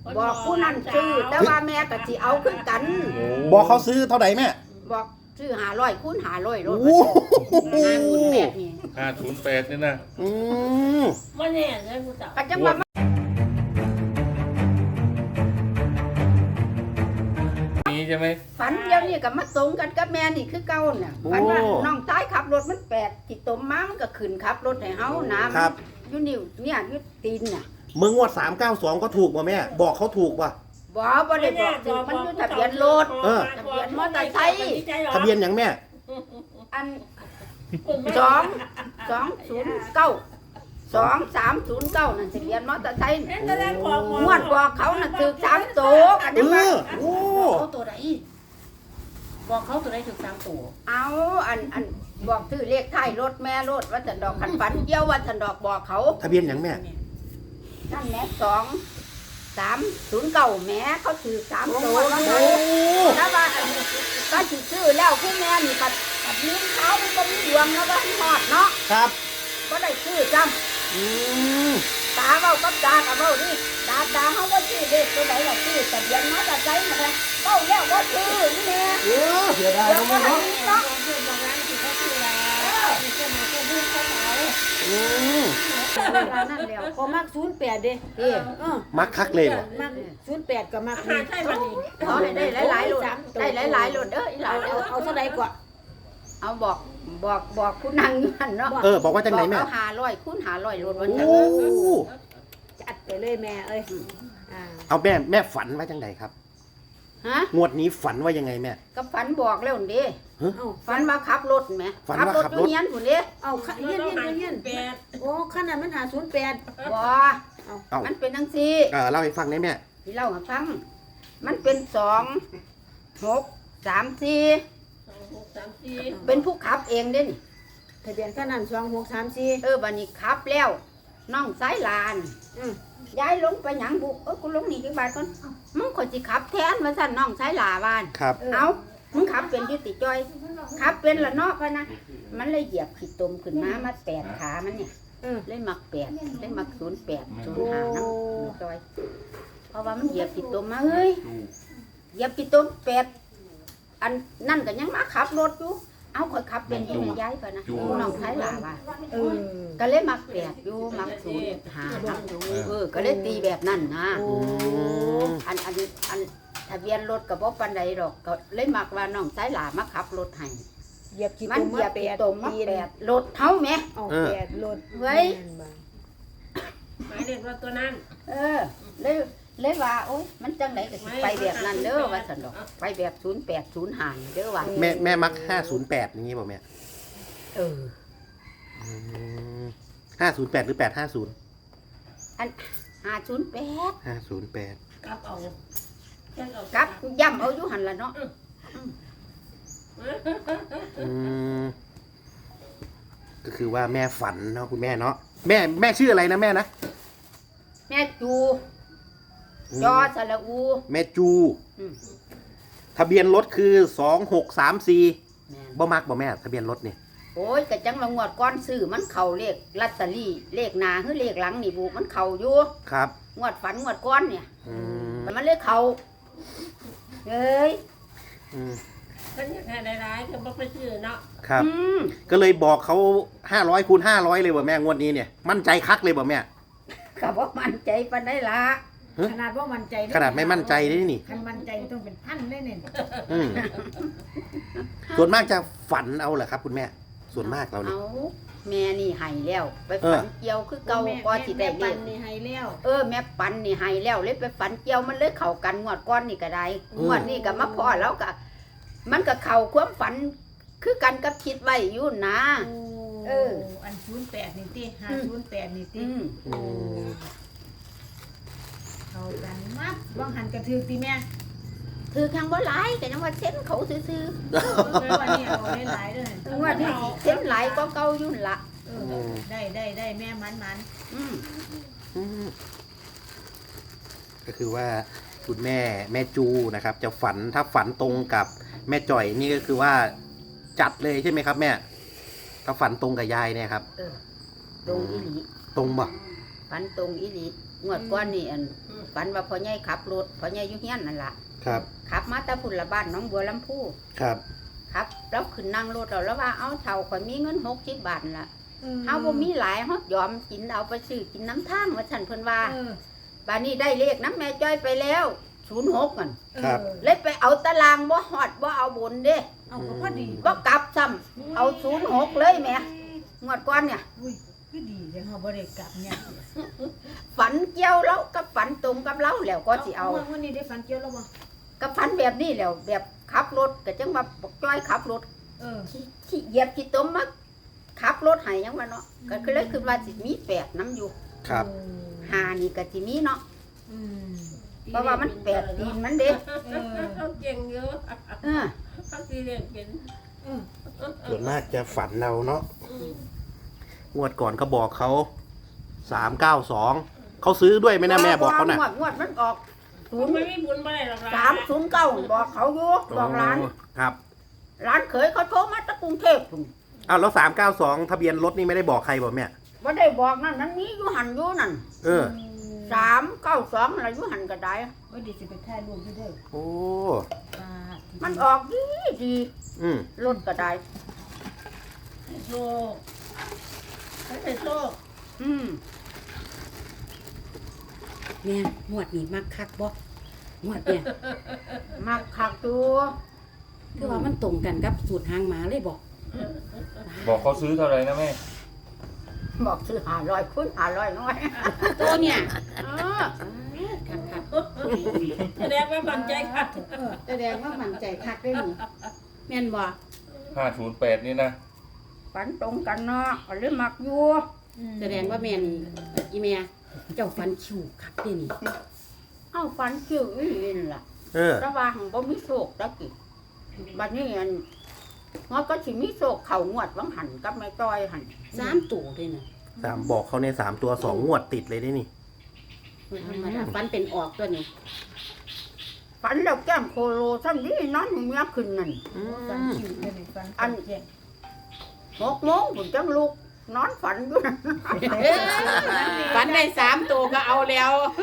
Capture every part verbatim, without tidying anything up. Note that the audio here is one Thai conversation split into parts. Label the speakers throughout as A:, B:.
A: บอกผู้นั้นซื้อแต่ว่าแม่ก็สิเอาคือกัน
B: บอกเขาซื้อเท่าไหร่แม่
A: บอกซื้อห้าร้อยคูณห้าร้อยรถ
B: โอ้โห
A: ห้าคูณแปดนี่
C: ห้าศูนย์แปดนี่นะ
B: อืม
D: ไม่แน่เลยผู้สาว
A: ก็จังว่า
C: นี้ใช่ไหม
A: ฝันเดียวนี่ก็มาตรงกันกับแม่นี่คือเก่าน่ะฝันว่าน้องตายขับรถมันแปลกที่ตมมามันก็ขึ้นขับรถให้เฮานะ
B: ครับ
A: อยู่นิ้วเนี่ยอยู่ตีนน่ะ
B: มึงงวดสามเก้าสองก็ถูกป่ะแม่ บอกเขาถูกป่ะ
A: บ่บ่ได้บอกถึงมันอยู่ทะเบียนรถ
B: เออ
A: ทะเบียนมอเตอร์ไซค์
B: ทะเบียนอย่างแม่
A: อันสองสองศูนย์เก้าสองสามศูนย์เก้านั่นทะเบียนมอเตอร์ไซค์
D: เห็นแต่แรกบอก
A: งวดบอกเขาน่ะถือสามตัวกัน
B: เอ
A: จังว่า
B: อ โอ้
D: เขาตัวไหนบอกเขาตัวไหนถึงสามตัว
A: เอาอันอันบอกซื้อเลขท้ายรถแม่รถว่าสันดอกขันฝันเกี่ยวว่าสันดอกบอกเขา
B: ทะเบียนอย่างแม่
A: นั่นแหละสองสามศูนย์เก้าแม่เขาถือสามตัวแล้ว
B: โอ้
A: นะแล้วว่าอันก็สิซื้อแล้วคุณแม่นี่ปัดปัดนิ้วเขามันก็มีดวงแล้วว่าหอดเนาะ
B: ครับ
A: ก็ได้ซื้อจ
B: อืม
A: ำตาเบ้ากับตากับเบ้านี่ตาตาเขาก็ซื้อเลขตัวไหนล่ะซื้อทะเบียนมอเตอร์ไซค์มาเลยเบ้าแล้วก็ซื้อนี่แม่
B: เออเสียดาย
A: เดี๋ยว
B: นะ
A: ก็
B: แม่
A: ให้
B: เนาะ
A: นี่เนาะ
D: เพื่อนบอกร้านที่เขาชื่อแล้วที่เพื่อนมาก็พูดเขาเขา
B: อืม
A: เวลานั่นแล้ว
E: ก็มักศูนย์แปดเด้
A: เอ๊ะ
E: เออ
B: มักคักเลยบ่
E: มักศูนย์แปดก็มัก
D: หาใช่มันนี่
A: ขอให้ได้หลายๆหลุดได้หลายๆหลุดเด้ออีหลา
E: เอา
A: น
E: เอาเอาเท่าใดกว่า
A: เอาบอกบอกบอกคุณนางอยู่หันเนาะ
B: เออ บอกว่าจังไหนแม่
A: เอาหาร้อยคุณหาร้อยหลุดวัน
B: โอ้
A: นั้น
E: จัดไปเลยแม่เอ้ยอ่า
B: เอาแม่แม่ฝันว่าจังไหนครับ
A: ฮะ
B: งวดนี้ฝันว่ายังไงแม่
A: ก็ฝันบอกแล้วนี่
E: เอา
A: ฝันว่าขับรถไหม
B: ฝัน
A: ขั
B: ว่า
A: รถ
B: ขับ
A: อ
B: รถ
A: ยู่เฮียนผู้นี้
E: เอาขะเฮียนเฮียนเฮียน
D: แปด
E: โอ้ขนาดมันหาศูนย์แปด
A: บ่
B: เอ้า
A: มันเป็นจังซี่
B: เออเล่าให้ฟังได้แม่
A: ที่เล่าให้ฟัง มันเป็นสองหกสามสี่
D: สองหกสามสี่
A: เป็นผู้ขับเองเด้นี่
E: ทะเบียนขนาดสองหกสามสี่
A: เออบัดนี้ขับแล้วน้องสายลาน
E: อืม
A: ย้ายลงไปหยังบุเออกูลงนี่จังบาทก่อนมึงคนสิขับแทนมาสั่นน้องสายลาวาน
B: ครับ
A: เอามึงขับเป็นอยุติจอย ขับเป็นละเนาะพะนะ มันเลยเหยียบขีดตมขึ้นมา มาแปดขา มันเนี่ย
E: เออ
A: เลยมักแปดเลยมักศูนย์แปดศูนย์ห้าน้ำจอย เพราะว่ามันเหยียบขีดตมมาเฮ้ย เหยียบขีดตมแปด อันนั่นก็ยังมาขับรถอยู่ เอาคอยขับเป็นอยังไงย้ายพะนะน้องชายหลาว่า
E: เออ
A: ก็เลยมักแปดอยู่ มักศูนย์ห้าน้ำอยู่เออ ก็เลยตีแบบนั้นนะ
E: โอ้
A: อันอันอันทะเบียนรถกับบ่ปานใดดอกก็เลยมักว่าน้องสายหลามาขับรถให้
E: เหยียบขี้
A: มัน
E: ตุ่ม
A: เหยีย
E: มา
A: บ
E: แป
A: ปี
E: ด
A: ตมมาแปดรถเฮาแหม
E: เอาแปดรถ
A: เว้ย
D: หมายเลขรถตัวนั้น
A: เออเลยเลยว่าโอ๊ยมันจังไดก็สิไปแบบนั้นเด้อว่าซั่นดอกไปแบบศูนย์แปดศูนย์ห้านี่เด้อว่า
B: แม่แม่มักห้าศูนย์แปดอย่างงี้ป่ะแม่
A: เออ
B: ห้าศูนย์แปดหรือแปดห้าศูนย์
A: อันห้าศูนย์แปด
B: ห้าศูนย์แปด
D: กลับเอาแค่เอา
A: กับย่ำเอาอยู่หั่นล่ะเนาะ
B: อืมก็คือว่าแม่ฝันเนาะคุณแม่เนาะแม่แม่ชื่ออะไรนะแม่นะ
A: แม่จูยอสระอู
B: แม่จู
A: อืม
B: ทะเบียนรถคือสองหกสามสี่
A: แม่น
B: บ่มักบ่แม่ทะเบียนรถนี่
A: โอ้ยกะจังว่างวดก้อนซื้อมันเข้าเลขลอตเตอรี่เลขหน้าหรือเลขหลังนี่บุมันเข้าอยู่
B: ครับ
A: งวดฝันงวดก้อนเนี่ย
B: อืม
A: มันเลยเข้าเอ้ย
B: อืม
D: ฉันอยากให้หลายๆก็บอกไปซื้อเนาะ
B: ครับ
A: อืม
B: ก็เลยบอกเขาห้าร้อยคูณห้าร้อยเลยบ่แม่งวดนี้เนี่ยมั่นใจคักเลยบ่แม่
A: ก็บ่มั่นใจปานใดล่ะ
E: ขนาดว่ามั่นใจ
B: ขนาดไม่มั่นใจได้นี่
E: คันมั่นใจต้องเป็นพันเลยเนี่ย
B: อืมส่วนมากจะฝันเอาเหรอครับ คุณแม่ ส่วนมากเราเนี่ย
A: เอาแม่นี่ให้แล้ว ไป
B: เออ
A: ฝันเกี่ยวคือเก่าก็สิได้เล
E: ปั
A: ข
E: นนี่ให้แล้ว
A: เออแม่ปันนี่ให้แล้วเลยไปฝันเกี่ยวมันเลยเข้ากันงวดก้อนนี่ก็ได้งวดนี้ก็มาพอแล้วก็มันก็เข้าความฝันคือกันกับคิดไว้อยู่นะ เออ
E: อันศูนย์แปดนี่ติห้าศูนย์แปดนี่ติ
A: อืม
B: อืม
E: เข้ากันมัดว่างหันกระถือติแม่
A: ถือข้างบ่หลายก็ยังว่าเส้นเขาซื่อ
E: เออวันนี้เอาหลายๆเลย
A: ๆงวดนี้สิเส้นหลายก็เก่าอยู่นั่นละ
E: เออได้ได้ได้แม่มันมัน
A: อืม
B: อืมก็คือว่าคุณแม่แม่จูนะครับ จะฝันถ้าฝันตรงกับแม่จ่อยนี่ก็คือว่าจัดเลยใช่ไหมครับ แม่ ถ้าฝันตรงกับยายเนี่ยครับ
A: เออตรงอีหลี
B: ตรงบ่
A: ฝันตรงอีหลีงวดก้อนนี่อัน
D: อื
A: ฝันว่าพ่อใหญ่ขับรถพ่อใหญ่อยู่เฮียนนั่นล่ะ
B: ครับ
A: ขับมาแตะพุ่นละบ้านหน้องบัวลำพู
B: ครับ
A: ครับแล้วขึ้นนั่งรถเราแล้วว่าเอาเท่าข่อยมีเงินหกสิบบาทล่ะ
E: เออ
A: เฮาบ่มีหลายเฮายอมกินเอาไปซื้อกินน้ำทางว่าฉันเพิ่นว่า
E: เออ
A: บัดนี้ได้เลขน้ำแม่จ้อยไปแล้วศูนย์หกมัน
B: ครับ
E: เออ
A: เลยไปเอาตารางบ่ฮอดบ่เอาบนเด้
E: เอาก็พอดี
A: บ่กลับซ้ำเอาศูนย์หกเลยแหม่งวดก่อนเนี่ย
E: อุ้ยคือดีจังเฮาบ่ได้กลับเนี่ย
A: ฝันเกี่ยวแล้วก็ฝันตรงกับเราแล้วก็สิเอา
E: วันนี้ได้ฝันเกี่ยวแล้วบ่
A: ก็ฝันแบบนี้แล้วแบบขับรถก็จังว่าบอกจ้อยขับรถ
E: เออ
A: ที่ที่เหยียบที่ต้มมาขับรถให้ยังว่าเนาะก็คือเลยคือว่าสิมีแปดน้ำอยู่
B: ครับ
A: หานี่ก็สิมีเนาะ
E: อืม
A: เพราะว่ามันแปดตีนมันเด้
E: เออ
D: เขาเก่งเยอะ
A: เออ
D: เขาตีเรียนเป็น
E: เออ
B: ส่วนมากจะฝันเราเนาะงวดก่อนก็บอกเขาสามเก้าสองเขาซื้อด้วยไหมนะแม่บอกเขาน่ะ
A: งวดงวดมันออกศู
D: คุ
A: น
D: ณ
A: ย์
D: ไม่มีบุญมาได้หรอก
A: สามศูนย์เก้าบอกเขาอยู่บอกร้าน
B: ครับ
A: ร้านเขยเขาโทรมาจากกรุงเทพพุ่น
B: อ้าวแล้วสามเก้าสองทะเบียนรถนี่ไม่ได้บอกใครบอกแม่
A: ว่าได้บอกนั่นนั้นนี้อยู่หันอยู่นั่น
B: เออ
A: สามเก้าสองอะไรอยู่หันก็ได้
E: ว่าดีสิไปถ่ายรูปอยู่เด้อ
B: โอ้
E: อ่า
A: มันออกดีดี
B: อืม
A: รถก็ได้
D: โชคให้โชค
A: อืม
F: แม่หมวดนี่มักคักบ่หมวดเนี่ย
A: มักคักตัว
F: คือว่ามันตรงกันกับสูตรหางหมาเลยบอก
C: บอกเขาซื้อเท่าไหร่นะแม่
A: บอกซื้อหาร้อยคุณหาร้อยน้อย
F: ตัวเนี่ย
A: เออ
F: คักคัก
D: แสดงว่ามั่นใจค่ะ
F: แสดงว่ามั่นใจคักได้นี่แม่นบ่
C: ห้าศูนย์แปดนี่นะ
A: ฝันตรงกันเนาะก็เลยมักอยู่
F: แสดงว่าแม่นี่อีแม่เจ้าฟันคิวคักได้นี่
A: เอ้าฝันคิวอีหลีนล่ะ
B: เออ
A: ระหว่างบ่มีโชคตะกี้บัดนี้อันงอก็สิมีโชคเข้างวดวังหันกับแม่ต้อยหัน
F: สามตัวเลยน่ะ
B: สามบอกเขาในสามตัวสองงวดติดเลยได้นี่
F: ธรรมดาฟันเป็นออกตัวนี้
A: ฝันแล้วแก้มโคโลซ้ำนี้นอนอยู่เมียขึ้นนั่น
B: อื
E: ฝัน
B: ม
E: คิวเด้อนี่ฝัน
A: อัน
E: แจ้ง
A: หกโมงผมจังลุกนอนฝันอยู่นั่น
F: ฟันได้สามตัวก็เอาแล้ว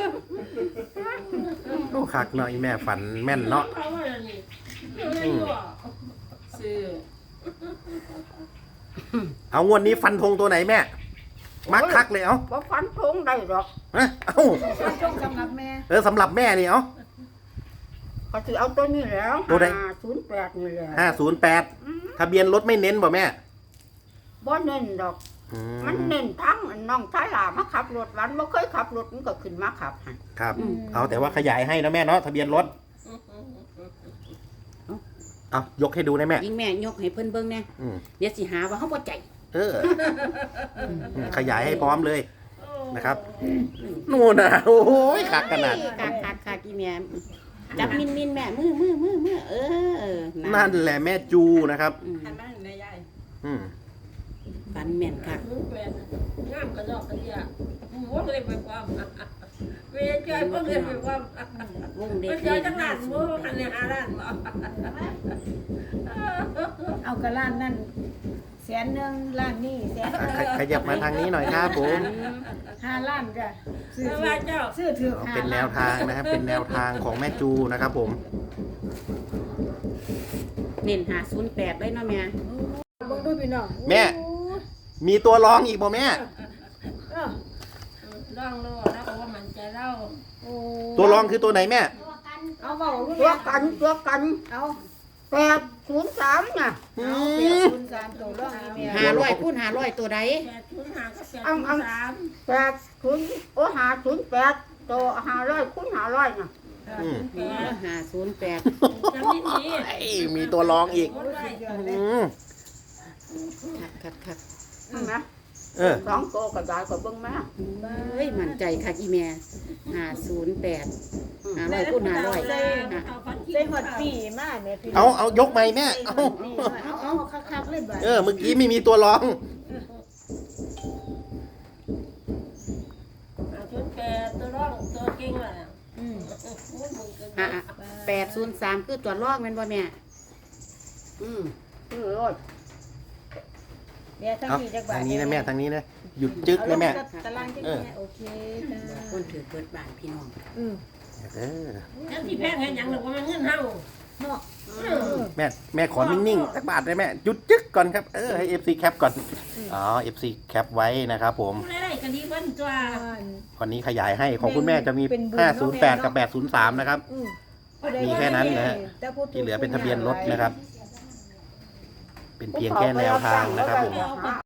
B: โอ้คักเนาะอีแม่ฝันแม่นเนาะ
D: เขาว่าอย่างนี้อยู่ในอยู่อ่ะ
F: ซื้อ
B: เอางวดนี้ฟันธงตัวไหนแม่ มักคักเลยเอา
A: บ่ฝันทงได้หรอก
B: ฮะเอ้า
E: ฝันตรงสำหรับแม่
B: เออสำหรับแม่นี่เอา
A: ก็สิเอาตัวนี้แล้ว
B: ตัวใด
A: ห้าศูนย์แปดนี่แหละ
B: ห้าศูนย์แปดทะเบียนรถไม่เน้นบ่แม่
A: บ่เน้นดอก
B: อื
A: มันเน้นทั้งน้องชายหลามาขับรถวันบ่เคยขับรถมันก็ขึ้นมาขับให้
B: ครับ เอาแต่ว่าขยายให้นะแม่เนาะทะเบียนรถเอายกให้ดูนะแม่
F: ยิงแม่ยกให้เพิ่นเบิ่งแน่
B: อืม
F: เดี๋ยวสิหาว่าเฮาบ่ใจ
B: เอออืมขยายให้พร้อมเลยนะครับนู่นนะโอ้ยคักขนาด
F: คักคักคักอีแม่จับมินมินแม่มือมือมือมือเออ
B: นั่นแหละแม่จูนะครับ
F: อืม
D: หันมาในยาย
B: อืม
F: ฟันแม่นคัก
D: มึงเป็นงามกระดอกกระเดียมึงว่าเลยไปความเวรใจก็เลยไปความ
F: วงเด็
D: ไป
F: ก
D: เจอจังหวัดมึงหันในหาด้านบ่
E: เอากระล้านนั่นแสนหนึงล้านนี่แสนหนึ่ง
B: ขขยับมาทางนี้หน่อยครับผม
E: ห้าล้านจ้ะซื้อ
D: แต่
E: ถื
D: ว่า
E: อ
D: เจ้า
E: ซื้อถือ
B: เอา
E: ห้า
B: เป็นแน
E: ล้า
B: วนทางนะครับ เป็นแนวทางของแม่จูนะครับผม
F: เน้นหาศูนย์แปดเลยเนาะแม่
E: เบิ่งดูพี่น้อง
B: แม่ มีตัวรองอีกบ่แม่
E: เออ
D: ร่องโลแล้วว่ามันใจเล่า
E: โอ้
B: ตัวรองคือตัวไหนแม่
E: เอาเว้าลูก
A: ตัว
E: แม่
A: กันตัวกัน
E: เอา
A: แปดศูนย์สามน่ะ
B: อื
E: เอา
B: ม
E: เปียกคุณสามตัวร่องอีเมีย
F: หาร้อยคูณหาร้อยตัวใด
D: แปดทุนหาก็แปดทุนสาม
A: แปดศูนย์โอ้หาศูนย์แปดตัวหาร้อยคุณหาร้อยน่ะ
B: อืม
D: แปด
F: หาศูนย์แปด
D: จำนิดนี้
B: เอ้ยมีตัวรองอีก
D: หมดเลย
B: อืม
F: คักคักคัก
A: เห็นไหม
B: เออ
A: สองตัวก็ได้ก็เบิ่งแม่
F: เฮ้ยมั่นใจคักอีแม่หาศูนย์แปดหาร้อยคูณหาร้อยหา
E: ใส่หอดปีมาแม่พี่น้
B: เอา
E: อง
B: เอายกไหมแม่ เอา
E: นี่เอาเอาคักๆเลยบัด
B: เออ เมื่อกี้ไม่มีตัวรอง
D: ทุนแปดตัวร่องตัวเก่งอ่ะ
E: อืม
F: หาแปดศูนย์สามคือตัวลอกแม่นบ่แม่
A: อืมคือรถ
E: แม่ทั้ง
B: เอา
E: นี้จักบาท
B: ทางนี้นะแม่ทางนี้นะหยุดจึ๊กนะแม่
E: ตารางจัก
B: เออ
E: แม่โอเคจ้า
A: คนถือเปิดบ้านพี่น้อง
E: อืม
B: เออ
D: แล้วที่แพงเห็นหยังหรือว่ามันเงินเฮา
E: เนาะ
D: เออ
B: แม่แม่ขอนิ่งๆสักบาทได้แม่หยุดจึ๊กก่อนครับเออให้เอฟซีแคปก่อนอ๋อเอฟซีแคปไว้นะครับผม
D: ผู้ใดๆก็ดีเพิ่นตัว
B: วันนี้ขยายให้ของคุณแม่จะมี
E: เป็นบุญ
B: ห้า
E: เนาะ
B: ศูนย์
E: แม่
B: แปด
E: เนาะ
B: กับแปดศูนย์สามนะครับ
E: อืมผู้ใด
B: มีแค่นั้นนะฮะ
E: แต่ผู้
B: ที่เหลือเป็นทะเบียนรถนะครับ เป็นเพียงแค่แนวทางนะครับผม
A: เอาไป